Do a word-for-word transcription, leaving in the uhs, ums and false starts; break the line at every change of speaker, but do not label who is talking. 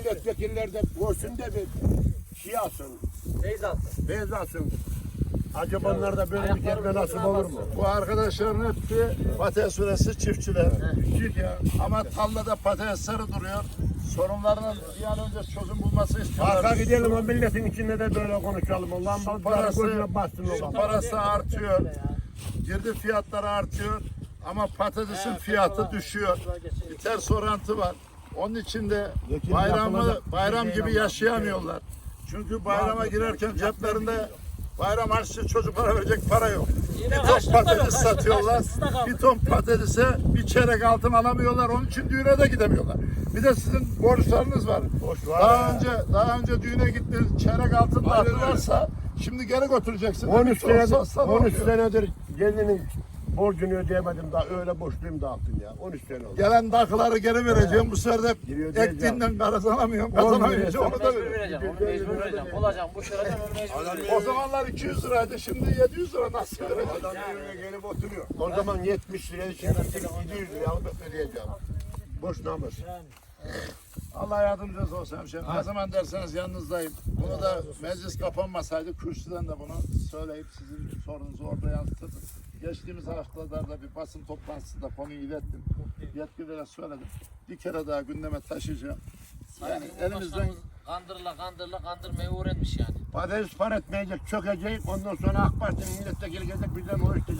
milletvekiller de görsün de bir şey alsın.
Beyz alsın.
Beyaz alsın. Acaba onlar da böyle bir gelme nasip olur mu?
Bu arkadaşların hepsi patates süresi çiftçiler. Çift ya. Ama tarlada patatesleri duruyor. Sorunlarının bir an önce çözüm bulması istiyorlar.
Arka gidelim o milletin içinde de böyle konuşalım. Allah'ın
Su
parası
parası,
gözüne bastın
su
oğlum.
parası artıyor. Girdi fiyatları artıyor. Ama patatesin fiyatı düşüyor. Bir ters orantı var. Onun için de bayramı bayram gibi yaşayamıyorlar. Çünkü bayrama girerken ceplerinde bayram harçlığı çocuklara verecek para yok. Bir ton patates satıyorlar. Bir ton patatese bir çeyrek altın alamıyorlar. Onun için düğüne de gidemiyorlar. Bir de sizin borçlarınız var. Daha önce daha önce düğüne gittiniz, çeyrek altın dağıttılarsa şimdi geri götüreceksiniz.
on üç senedir, on üç senedir gelinin borcunu ödeyemedim daha öyle borçluyum dağıttım ya. on üç sene oldu.
Gelen dakıları geri vereceğim. Bu sefer de
Giriyor,
ektiğinden kazanamıyorum. Kazanamayınca onu da
Mecbur
veriyorum.
vereceğim. Onu mecbur vereceğim. Olacağım. Bu şurada onu mecbur vereceğim.
O zamanlar iki yüz liraydı. Şimdi yedi yüz lira nasıl vereceğim?
Adam evine gelip oturuyor. O zaman yetmiş liraya şimdi yedi yüz liraya alıp ödeyeceğim. Boş namus.
Allah yardımcınız olsun hemşehrim. Ne zaman derseniz yanınızdayım. Bunu da meclis kapanmasaydı kürsüden de bunu söyleyip sizin sorunuzu orada yansıtırdım. Geçtiğimiz haftalarda bir basın toplantısında konuyu ilettim. Yetkililere söyledim. Bir kere daha gündeme taşıyacağım. Yani elimizden
Kandırla kandırla kandırmayı öğrenmiş yani.
Patates par etmeyecek, çökecek. Ondan sonra AK Parti'nin milletvekili gelecek bizden o işte.